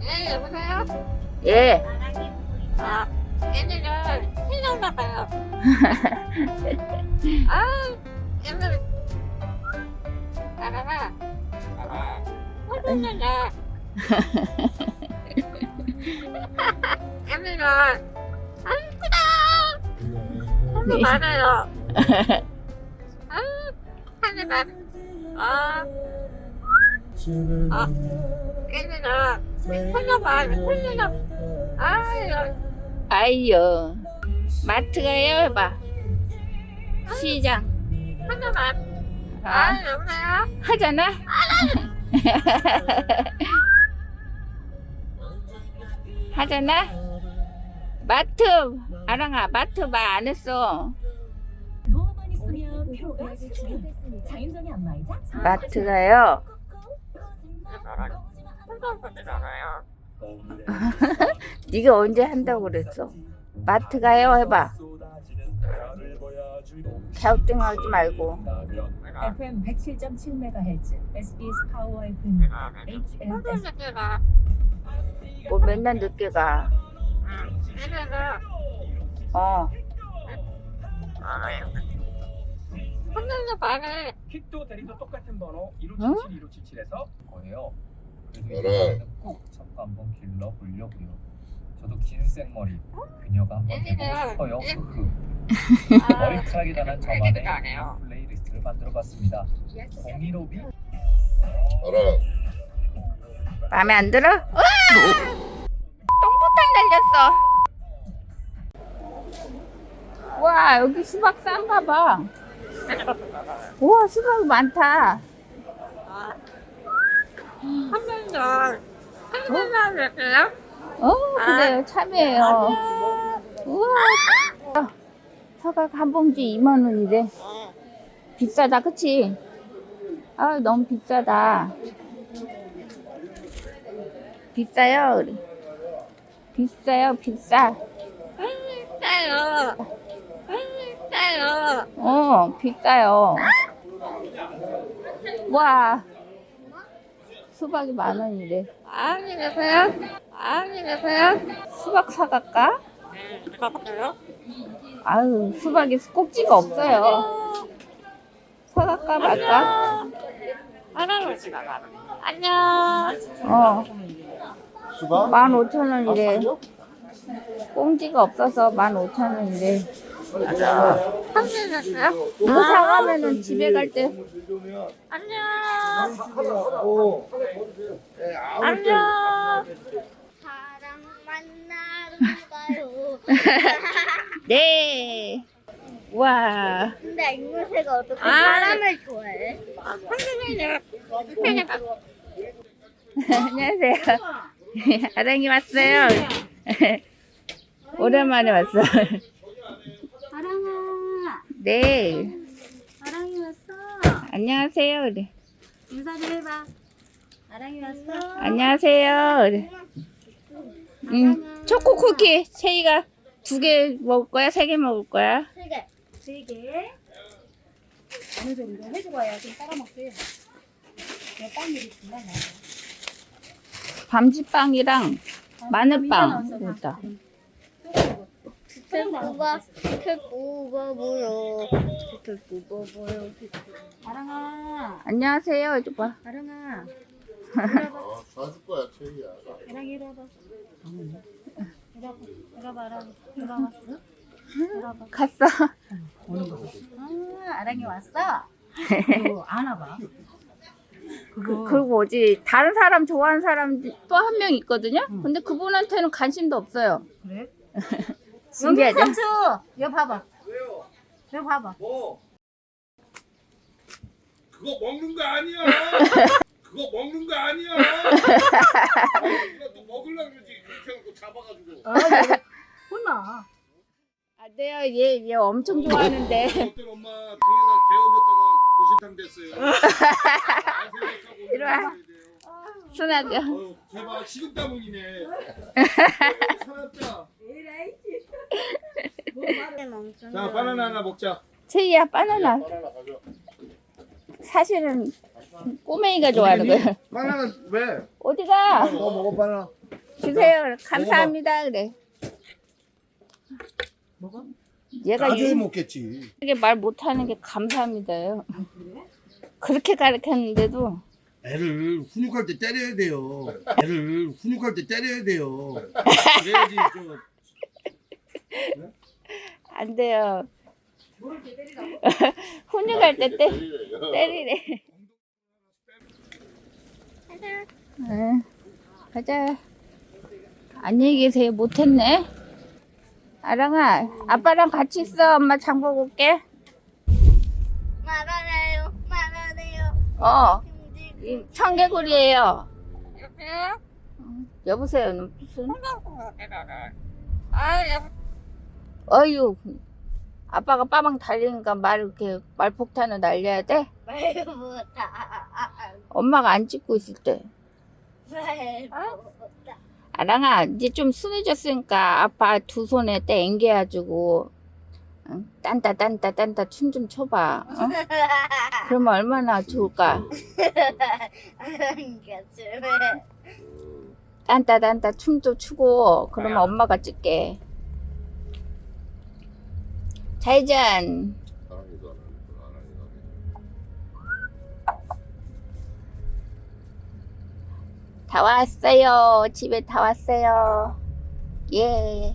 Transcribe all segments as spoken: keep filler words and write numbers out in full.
네, 여보세요? 예. 아, 얘네는 신나나 봐요. 아, 얘는 나가라. 혼났나? 얘네는 아, 이쁘다. 너무 많아요. 아, 하늘만. 아, 아, 얘네는 혼나봐, 혼나봐. 아유. 아이요. 마트 가요 해봐. 시장. 하나만. 아, 아, 여보세요? 하잖아. 하잖아. 마트. 아랑아, 마트 말 안 했어. 누워만 있으면 피로가 수축. 자연전이 안마이자 마트 가요. 혼나보잖아요. 네가 언제 한다고 그랬어? 마트 가요 해봐. 갸우뚱하지 말고. 에프엠 백칠 점 칠 메가헤르츠 에스비에스 파워 에프엠 에이치엘에스 혼나보잖아. 뭐 맨날 늦게 가. 얘네는 어. 혼나는 말을 퀵도 대리도 똑같은 번호 응? 일오칠칠 일오칠칠에서 거예요. 그래도 그래. 이거는 꼭 잡고 한번 길러 보려고요. 저도 긴 생머리 그녀가 한번 해보고 싶어요. 흐흐. 머리카락이 달한 저만의 아, 플레이리스트를 만들어봤습니다. 공일오비 알아. 마음에 안 들어? 으아! 똥포탄 달렸어. 와, 여기 수박 싼가 봐. 우와, 수박이 많다. 한 번도 한 번만 할게요. 어, 그래요. 참이에요. 우와. 사각 한 봉지 이만 원이래. 비싸다, 그치? 아, 너무 비싸다. 비싸요, 우리. 비싸요, 비싸. 짜요. 짜요. 어, 비싸요. 와. 수박이 만 원이래. 안녕히 계세요. 안녕히 계세요. 수박 사갈까? 가볼게요. 아유, 수박에 꼭지가 없어요. 사갈까 말까? 하나로 지나가. 안녕. 어, 수박? 만 오천 원이래. 꽁지가 없어서 만 오천 원이래. 안녕히 계세요. 이거 사가면은 집에 갈 때 안녕. 오. 안녕. 사랑 만나러 가요. 네. 와. 근데 앵무새가 어떻게 아, 사람을 좋아해? 선생님이요. 선생님. 안녕하세요. 아랑이 왔어요. 오랜만에 왔어. 아랑아, 네. 아랑이 왔어. 안녕하세요. 우리. 인사 좀 해봐. 아랑이 왔어. 안녕하세요. 우리. 음, 초코 쿠키 세이가 두 개 먹을 거야? 세 개 먹을 거야? 세 개. 세 개. 어느 정도 해주고 와야 좀 따라 먹게. 내가 빵 일이 정말 많아. 밤지빵이랑 마늘빵. 그렇다. 털뿌가 털뿌가 보여. 털뿌가 보여. 아랑아, 안녕하세요. 이쪽 봐. 아랑아. 어, 사줄 거야, 최희야. 아랑이 이리 와봐. 이리 와봐. 이리 와봐, 아랑이. 이리 와봐. 이리 와봐. 갔어. 아, 아랑이 왔어? 그거 안 와봐. 그, 그리고 뭐지? 다른 사람 좋아하는 사람 또 한 명 있거든요? 근데 그분한테는 관심도 없어요. 그래? 신기하죠? 삼촌, 이거 봐봐. 이거 봐봐. 뭐? 그거 먹는 거 아니야. 그거 먹는 거 아니야. 또 먹으려고 그러지. 그렇게 해놓고 잡아가지고. 혼나. 안 돼요. 얘, 얘 엄청 좋아하는데. 어떤 엄마 등에다 개얹었다가 고시탕 됐어요. 이리 와. 순하죠? 어, 제발 식은 땀이네. 살았다. 자, 바나나 하나 먹자. 채이야, 바나나. 바나나 가져. 사실은 꼬맹이가 좋아하는 거야. 바나나 왜? 어디가? 너 먹어 바나나. 주세요. 감사합니다. 그래. 먹어? 얘가 나중에 유- 먹겠지. 이게 말 못하는 게 감사합니다요. 그렇게 가르쳤는데도 애를 훈육할 때 때려야 돼요. 애를 훈육할 때 때려야 돼요. 그래야지 좀. 안 돼요. 모를 때 때리라고? 훈육할 때 때, 때리래. 응, 가자. 안녕히 계세요. 못했네. 아랑아, 아빠랑 같이 있어. 엄마 장 보고 올게. 말하래요. 말하래요. 어, 힘들고. 이 청개구리예요. 응, 여보세요. 무슨? 아, 어유, 아빠가 빠방 달리니까 말 이렇게 말폭탄을 날려야 돼? 말보다. 엄마가 안 찍고 있을 때. 말보다. 아랑아, 이제 좀 순해졌으니까 아빠 두 손에 때 앵겨가지고 응? 딴따 딴따 딴따 춤 좀 춰봐. 어? 그러면 얼마나 좋을까? 딴따 딴따 춤도 추고 그러면 엄마가 찍게. 잘전. 다 왔어요. 집에 다 왔어요. 예.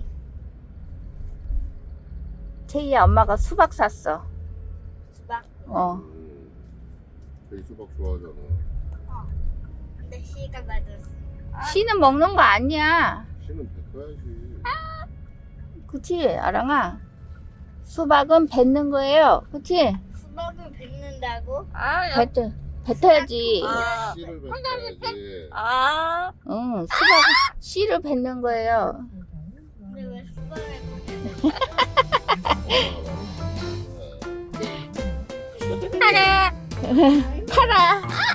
채희야, 엄마가 수박 샀어. 수박? 어. 되게 수박 좋아하잖아. 근데 씨가 맞았어. 씨는 먹는 거 아니야. 씨는 뱉어야지. 그치, 아랑아? 수박은 뱉는 거예요. 그치? 수박을 뱉는다고? 뱉, 뱉어야지. 아. 씨를 뱉어야지. 아. 응, 수박, 씨를 뱉는 거예요. 근데 왜 수박을 어, 팔아.